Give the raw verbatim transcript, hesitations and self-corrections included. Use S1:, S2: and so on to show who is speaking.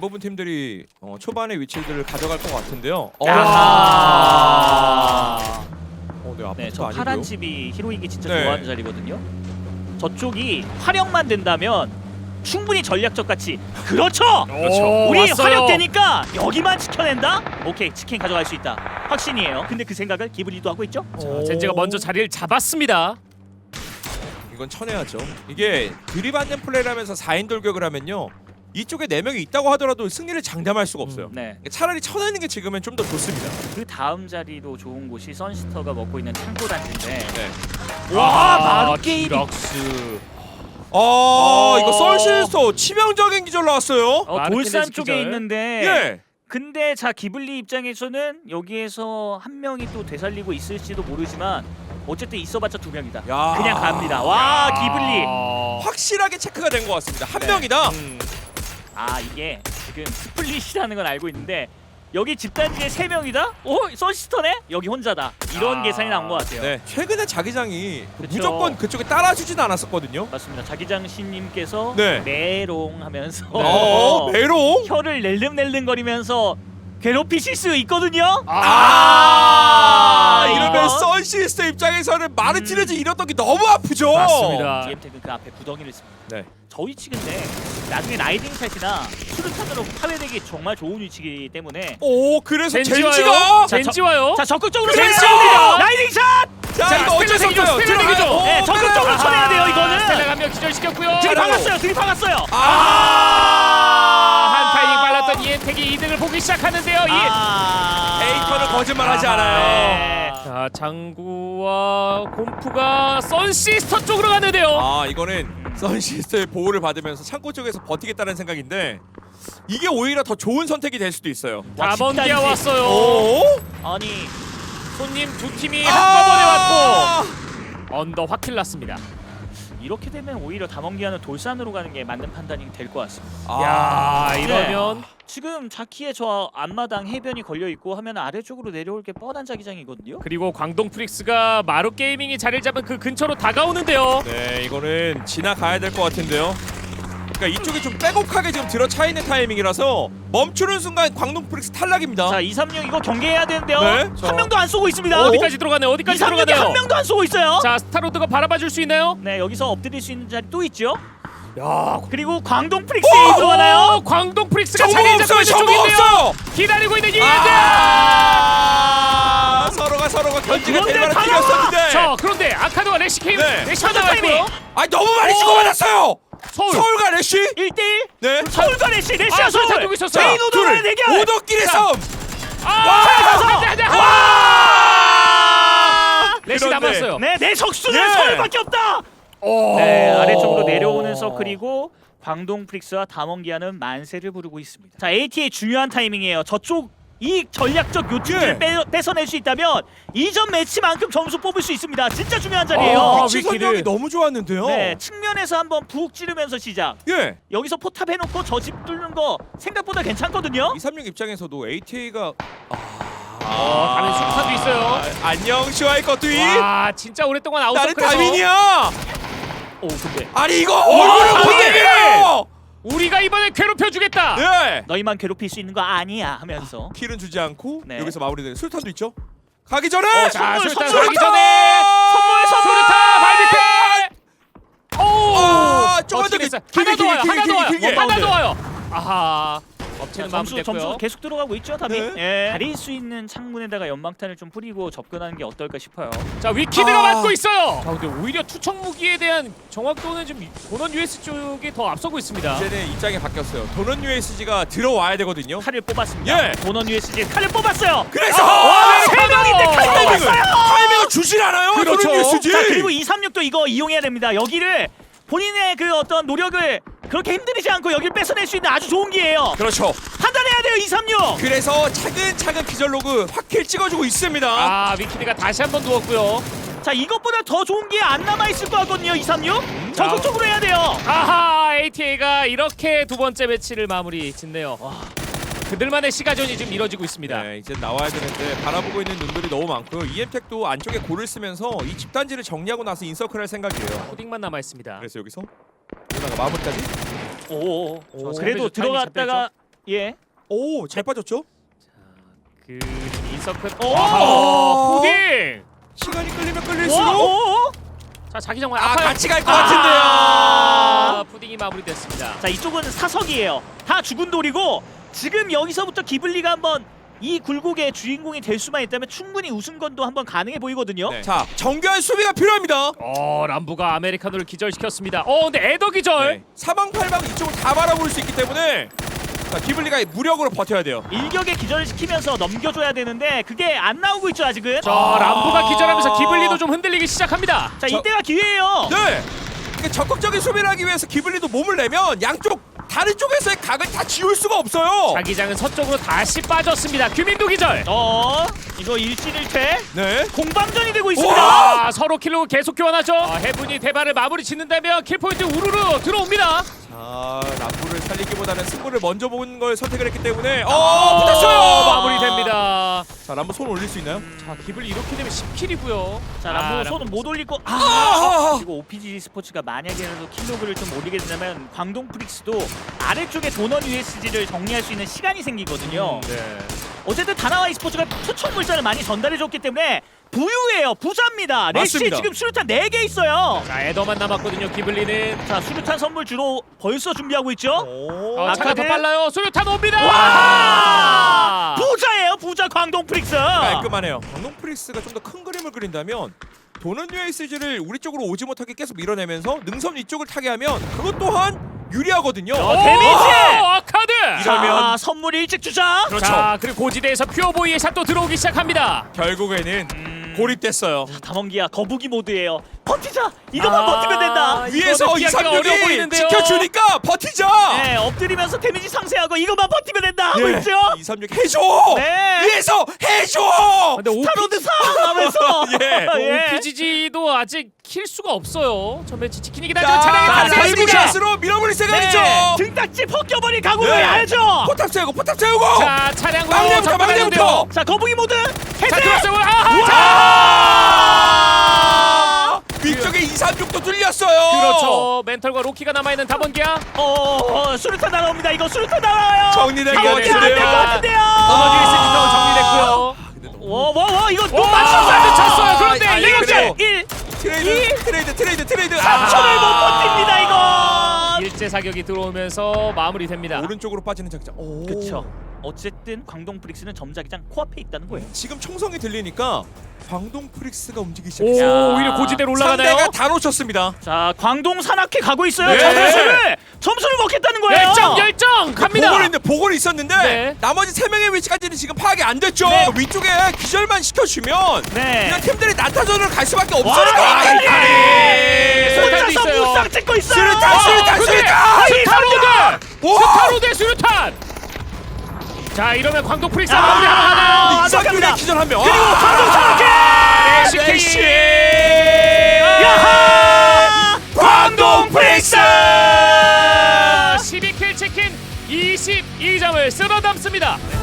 S1: 대부분 팀들이 어, 초반의 위치들을 가져갈 것 같은데요. 어,
S2: 아.
S1: 어, 네,
S2: 네,
S1: 아파트도
S2: 저
S1: 아니고요.
S2: 파란 집이 히로이기 진짜
S1: 네.
S2: 좋아하는 자리거든요. 저쪽이 활용만 된다면 충분히 전략적 가치. 그렇죠.
S3: 그렇죠.
S2: 우리
S3: 왔어요.
S2: 활용되니까 여기만 지켜낸다. 오케이, 치킨 가져갈 수 있다. 확신이에요. 근데 그 생각을 기브리도 하고 있죠.
S3: 자, 젠지가 먼저 자리를 잡았습니다.
S1: 이건 쳐내야죠. 이게 들이받는 플레이를 하면서 사 인 돌격을 하면요. 이쪽에 네 명이 있다고 하더라도 승리를 장담할 수가 없어요.
S2: 네.
S1: 차라리 쳐내는 게 지금은 좀 더 좋습니다.
S2: 그 다음 자리도 좋은 곳이 선시터가 먹고 있는 창고 단지인데.
S1: 네.
S2: 와,
S3: 아,
S2: 바로 게임이.
S3: 디럭스.
S1: 아,
S2: 어.
S1: 이거 썰실스터 치명적인 기절 나왔어요.
S2: 어,
S3: 마르티네즈
S2: 돌산 쪽에
S3: 기절.
S2: 있는데.
S1: 예.
S2: 근데 자 기블리 입장에서는 여기에서 한 명이 또 되살리고 있을지도 모르지만 어쨌든 있어봤자 두 명이다.
S1: 야.
S2: 그냥 갑니다. 와 기블리.
S3: 아,
S1: 확실하게 체크가 된 것 같습니다. 한
S2: 네.
S1: 명이다.
S3: 음.
S2: 아 이게 지금 스플릿이라는 건 알고 있는데 여기 집단지에 세 명이다? 오 선시스터네? 여기 혼자다. 이런
S3: 아.
S2: 계산이 나온 것 같아요.
S1: 네. 최근에 자기장이
S2: 그쵸.
S1: 무조건 그쪽에 따라주진 않았었거든요.
S2: 맞습니다. 자기장 신님께서
S1: 네.
S2: 메롱 하면서
S1: 어, 메롱.
S2: 혀를 낼름낼름거리면서 괴롭히실 수 있거든요.
S1: 아,
S2: 아,
S1: 이러면
S2: 이거.
S1: 선시스터 입장에서는 마르티네즈 잃었던 게 너무 아프죠.
S3: 음. 맞습니다.
S2: 디엠텍은 그 앞에 구덩이를 씁니다.
S1: 네.
S2: 저 위치 근데 나중에 라이딩 샷이나 수류탄으로 파괴되기 정말 좋은 위치이기 때문에
S1: 오, 그래서
S3: 젠지
S1: 젠지가
S3: 와요.
S2: 자,
S3: 젠지 와요.
S2: 자 적극적으로
S3: 젠지
S2: 쳐내야 돼요.
S3: 옵니다.
S2: 라이딩 샷!
S1: 자,
S3: 자,
S1: 이거 어쩔 수
S3: 스텔라
S1: 없어요.
S3: 대기죠, 스텔라
S1: 들어가요.
S3: 대기죠.
S1: 오,
S2: 네, 적극적으로
S1: 빼라.
S2: 쳐내야 돼요, 이거는.
S3: 스텔라 한명 기절시켰고요.
S2: 들이박았어요. 들이박았어요.
S1: 아,
S3: 한 타이밍 빨랐던 이엔텍이 이득을 보기 시작하는데요. 이
S2: 아.
S1: 에이커는 거짓말하지 않아요.
S2: 네.
S3: 자, 장구와 곰프가 선시스터 쪽으로 가는데요.
S1: 아, 이거는 선시스터의 보호를 받으면서 창고 쪽에서 버티겠다는 생각인데 이게 오히려 더 좋은 선택이 될 수도 있어요.
S2: 와,
S3: 다번기아
S2: 집단지.
S3: 왔어요.
S1: 오?
S2: 아니
S3: 손님 두 팀이
S1: 아!
S3: 한꺼번에 왔고 언더 확킬 났습니다.
S2: 이렇게 되면 오히려 담원기아는 돌산으로 가는 게 맞는 판단이 될 것 같습니다.
S1: 아,
S3: 야, 이러면
S2: 지금 자키의 저 앞마당 해변이 걸려 있고 하면 아래쪽으로 내려올 게 뻔한 자기장이거든요.
S3: 그리고 광동 프릭스가 마루 게이밍이 자리를 잡은 그 근처로 다가오는데요.
S1: 네, 이거는 지나가야 될 것 같은데요. 그러니까 이쪽이 좀 빼곡하게 지금 들어차 있는 타이밍이라서 멈추는 순간 광동 프릭스 탈락입니다.
S2: 자 이삼육 이거 경계해야 되는데요.
S1: 네, 저-
S2: 한 명도 안 쏘고 있습니다.
S3: 어디까지 들어가네요? 어디까지
S2: 이삼육이
S3: 들어가네요?
S2: 한 명도 안 쏘고 있어요.
S3: 자, 스타로드가 바라봐 줄 수 있나요?
S2: 네 여기서 엎드릴 수 있는 자리 또 있죠.
S3: 야,
S2: 그리고 광동 프릭스에 들어가나요?
S3: 어, 광동 프릭스가
S1: 정보
S3: 자리를 잡고
S1: 없어요.
S3: 있는
S1: 정보
S3: 쪽인데요.
S1: 없어요.
S3: 기다리고 있는 이엔텍.
S1: 아, 서로가 서로가 견지가
S2: 그런데
S1: 될 만한
S2: 다
S1: 팀이었었는데.
S3: 자, 그런데 아카드와 래시 케임
S1: 네.
S3: 래시가
S2: 타이밍.
S3: 나왔고요.
S1: 아니 너무 많이
S3: 오!
S1: 치고받았어요.
S3: 서울.
S1: 서울과 래쉬.
S2: 일 대일
S1: 네.
S2: 서울과 래시 래시와
S3: 아, 서울
S2: 서울
S3: 잡고 있었어요.
S2: 제인 오도만의 대결.
S1: 오덕길의
S3: 자.
S1: 싸움.
S3: 아,
S2: 가서!
S3: 한 대, 한 대.
S1: 와!
S3: 래시
S1: 그런데-
S3: 남았어요.
S2: 네, 내 적수는
S1: 예.
S2: 서울밖에 없다.
S3: 오.
S2: 네, 아래쪽으로 내려오는 서클이고 광동 프릭스와 담원기아는 만세를 부르고 있습니다. 자, 에이티의 중요한 타이밍이에요. 저쪽 이 전략적 요충지를
S1: 예.
S2: 빼, 뺏어낼 수 있다면 이전 매치만큼 점수 뽑을 수 있습니다. 진짜 중요한 자리예요.
S3: 아,
S1: 위치
S3: 위키를.
S1: 선정이 너무 좋았는데요.
S2: 네, 측면에서 한번 푹 찌르면서 시작.
S1: 예.
S2: 여기서 포탑 해놓고 저 집 뚫는 거 생각보다 괜찮거든요.
S1: 이삼육 입장에서도 에이티에이가
S3: 어, 다른 수류탄도 있어요.
S1: 안녕 슈아이 것들이
S3: 와, 진짜 오랫동안
S1: 나는
S3: 아웃서클에서
S1: 다민이야.
S2: 오, 근데
S1: 아니 이거 얼굴을 보게 밀어요.
S3: 우리가 이번에 괴롭혀주겠다.
S1: 네.
S2: 너희만 괴롭힐 수 있는 거 아니야 하면서
S1: 킬은 주지 않고
S2: 네.
S1: 여기서 마무리되는 술탄도 있죠. 가기 전에
S2: 어,
S3: 자,
S2: 선물,
S3: 수류탄
S2: 선물!
S3: 가기 전에
S2: 선물, 선물!
S3: 수류탄 발밑에. 오,
S1: 아, 조금만 더
S3: 버티겠어요.
S1: 길게,
S3: 하나 더 와요.
S1: 길게,
S3: 하나 더
S1: 길게,
S3: 와요.
S1: 길게.
S3: 하나 더 와요. 아하.
S2: 자,
S3: 업체는
S2: 점수 점수
S3: 마무리됐고요.
S2: 계속 들어가고 있죠, 답이.
S1: 네.
S2: 예. 가릴 수 있는 창문에다가 연막탄을 좀 뿌리고 접근하는 게 어떨까 싶어요.
S3: 자, 위키드가
S1: 아.
S3: 맞고 있어요. 자, 근데 오히려 투척 무기에 대한 정확도는 좀 본원 유에스 쪽이 더 앞서고 있습니다.
S1: 이제는 입장이 바뀌었어요. 도넛 유에스지가 들어와야 되거든요.
S2: 칼을 뽑았습니다.
S1: 예.
S2: 도넌 유에스지 칼을 뽑았어요.
S1: 그래서
S2: 와,
S3: 네,
S2: 세 명인데 칼
S3: 타이밍을,
S2: 뽑았어요.
S1: 타이밍을 주질 않아요.
S3: 그렇죠.
S1: 도넛 유에스지.
S2: 자, 그리고 이삼육도 이거 이용해야 됩니다. 여기를 본인의 그 어떤 노력을 그렇게 힘들이지 않고 여기를 뺏어낼 수 있는 아주 좋은 기회예요.
S1: 그렇죠.
S2: 판단해야 돼요, 이삼육.
S1: 그래서 차근차근 기절 로그 확킬 찍어주고 있습니다.
S3: 아, 위키드가 다시 한번 누웠고요.
S2: 자, 이것보다 더 좋은 기회 안 남아 있을 것 같거든요, 이삼육. 적극적으로 해야 돼요.
S3: 아하, 에이티에이가 이렇게 두 번째 매치를 마무리 짓네요.
S2: 와.
S3: 그들만의 시가전이 지금 이뤄지고 있습니다.
S1: 네, 이제 나와야 되는데 바라보고 있는 눈들이 너무 많고요. 이엠텍도 안쪽에 골을 쓰면서 이 집단지를 정리하고 나서 인서클 할 생각이에요.
S3: 코딩만 남아 있습니다.
S1: 그래서 여기서 누나가 마무리까지.
S2: 오,
S3: 오,
S2: 그래도
S3: 타이밍
S2: 들어갔다가 예.
S1: 오, 잘 빠졌죠?
S3: 그 인서클.
S2: 오!
S3: 아, 푸딩.
S1: 시간이 끌리면
S2: 오!
S1: 끌릴수록
S2: 오!
S3: 자, 자기 정말
S1: 아,
S3: 아파요.
S1: 같이 갈 것
S2: 아!
S1: 같은데요.
S3: 아, 푸딩이 마무리됐습니다.
S2: 자, 이쪽은 사석이에요. 다 죽은 돌이고 지금 여기서부터 기블리가 한번 이 굴곡의 주인공이 될 수만 있다면 충분히 우승권도 한번 가능해 보이거든요.
S1: 네. 자, 정교한 수비가 필요합니다.
S3: 어, 람부가 아메리카노를 기절시켰습니다. 어, 근데 에더 기절.
S1: 네. 사방팔방 이쪽을 다 바라볼 수 있기 때문에 자, 기블리가 무력으로 버텨야 돼요.
S2: 일격에 기절을 시키면서 넘겨줘야 되는데 그게 안 나오고 있죠 아직은.
S3: 자,
S1: 아.
S3: 람부가 기절하면서 기블리도 좀 흔들리기 시작합니다.
S2: 자,
S1: 저-
S2: 이때가 기회예요.
S1: 네. 그러니까 적극적인 수비를 하기 위해서 기블리도 몸을 내면 양쪽 다른 쪽에서의 각을 다 지울 수가 없어요.
S3: 자기장은 서쪽으로 다시 빠졌습니다. 규민도 기절.
S2: 어, 이거 일진일퇴
S1: 네.
S2: 공방전이 되고 있습니다.
S3: 아, 서로 킬로 계속 교환하죠. 아, 해븐이 대발을 마무리 짓는다면 킬포인트 우르르 들어옵니다.
S1: 자, 람부를 살리기보다는 승부를 먼저 본 걸 선택을 했기 때문에
S3: 어,
S1: 어, 붙었어요.
S3: 마무리됩니다.
S1: 자, 람부 손 올릴 수 있나요?
S3: 자, 기블리 이렇게 되면 십 킬이고요.
S2: 자, 람보 손은 못 올릴 거. 아,
S1: 아!
S2: 그리고 오피지 스포츠가 만약에라도 킬로그를 좀 올리게 된다면 광동 프릭스도 아래쪽에 도넌 유에스지를 정리할 수 있는 시간이 생기거든요.
S3: 네.
S2: 어쨌든 다나와 e스포츠가 투척 물자를 많이 전달해줬기 때문에 부유해요. 부자입니다. 레시
S1: 맞습니다.
S2: 지금 수류탄 네 개 있어요.
S3: 자, 에더만 남았거든요. 기블리는.
S2: 자, 수류탄 선물 주로 벌써 준비하고 있죠.
S1: 오.
S3: 어, 차가 더
S2: 아카드.
S3: 빨라요. 수류탄 옵니다.
S2: 와! 부자예요. 부자 광동 프릭스.
S1: 깔끔하네요. 광동 프리스가 좀 더 큰 그림을 그린다면 도는 유에스지를 우리 쪽으로 오지 못하게 계속 밀어내면서 능선 위쪽을 타게 하면 그것 또한 유리하거든요.
S2: 어,
S3: 오,
S2: 데미지!
S3: 아카드.
S2: 자,
S1: 이러면-
S2: 선물 일찍 주자.
S1: 그렇죠.
S3: 자, 그리고 고지대에서 퓨어보이의 샷도 들어오기 시작합니다.
S1: 결국에는
S2: 음...
S1: 고립됐어요.
S2: 담원기야 거북이 모드예요. 버티자. 이것만
S3: 아,
S2: 버티면 된다.
S1: 위에서
S3: 이거는 피하기가 어려워
S1: 이삼육이
S3: 보이는데요.
S1: 지켜주니까 버티자.
S2: 네, 엎드리면서 데미지 상쇄하고 이것만 버티면 된다 하고
S1: 예.
S2: 있죠.
S1: 이삼육 해줘.
S2: 네.
S1: 위에서 해줘.
S3: 근데 오
S2: 스타로드 사 하면서
S1: 예.
S2: 예.
S3: 오피지지도 아직 킬 수가 없어요. 저 매치 지키긴
S1: 자,
S3: 하지만 차량이
S2: 자,
S3: 탄생했습니다.
S1: 타이밍샷으로 밀어버릴 생각이죠.
S2: 네, 등딱지 벗겨버릴 각오를
S1: 네.
S2: 해야죠.
S1: 포탑 세우고 포탑 세우고.
S3: 자, 차량으로
S1: 막내부터
S3: 접근하는데요.
S1: 막내부터.
S2: 자, 거북이 모드
S3: 자,
S2: 해제.
S3: 들어왔어요. 아하!
S2: 우와!
S3: 자,
S1: 아! 위쪽에 이삼육도 뚫렸어요.
S3: 그렇죠. 멘털과 로키가 남아있는 다번기야.
S2: 어, 어, 수류탄 날아옵니다. 이거 수류탄 날아와요.
S1: 정리된 것
S2: 담원기 안될 것
S1: 같은데요.
S2: 같은데요.
S3: 어머니 유에스지도 정리됐고요.
S2: 와, 와, 와, 이거
S3: 오,
S2: 또
S3: 맞췄어요.
S2: 맞췄어요.
S3: 쳤어요. 그런데
S1: 아,
S3: 이거
S1: 그래요.
S2: 일.
S1: 트레이드 트레이드 트레이드 트레이드.
S2: 삼천을 못 버팁니다 이거.
S3: 일제 사격이 들어오면서 마무리됩니다.
S1: 오른쪽으로 빠지는 작전. 오.
S2: 그쵸. 어쨌든 광동 프릭스는 점자기장 코앞에 있다는 거예요.
S1: 지금 총성이 들리니까 광동 프릭스가 움직이기
S3: 오,
S1: 시작했어요.
S3: 오히려 고지대로 올라가나요?
S1: 상대가 다 놓쳤습니다.
S2: 자, 광동 산악회 가고 있어요.
S1: 네.
S2: 점수를 점수를 먹겠다는 거예요.
S3: 열정 열정 갑니다.
S1: 보고는 있는데 보고는 있었는데
S3: 네.
S1: 나머지 세 명의 위치까지는 지금 파악이 안 됐죠.
S2: 네.
S1: 위쪽에 기절만 시켜주면
S2: 네.
S1: 그냥 팀들이 난타전을 갈 수밖에
S2: 와,
S1: 없으니까.
S2: 이칼리!
S3: 수류탄도
S2: 혼자서
S3: 있어요.
S2: 무쌍 찍고 있어요.
S1: 수류탄, 수류탄,
S3: 근데
S1: 수류탄!
S3: 스타로드!
S1: 와!
S3: 스타로드 수류탄! 자, 이러면 광동 프릭스
S2: 아,
S3: 마무리 하나 하나요?
S2: 아,
S1: 이상균의
S2: 들어갑니다.
S1: 기절 한 명.
S2: 그리고
S1: 아!
S2: 광동 산악회.
S3: 에스케이!
S2: 야하!
S1: 광동 프릭스!
S3: 십이 킬 치킨 이십이 점을 쓸어 담습니다.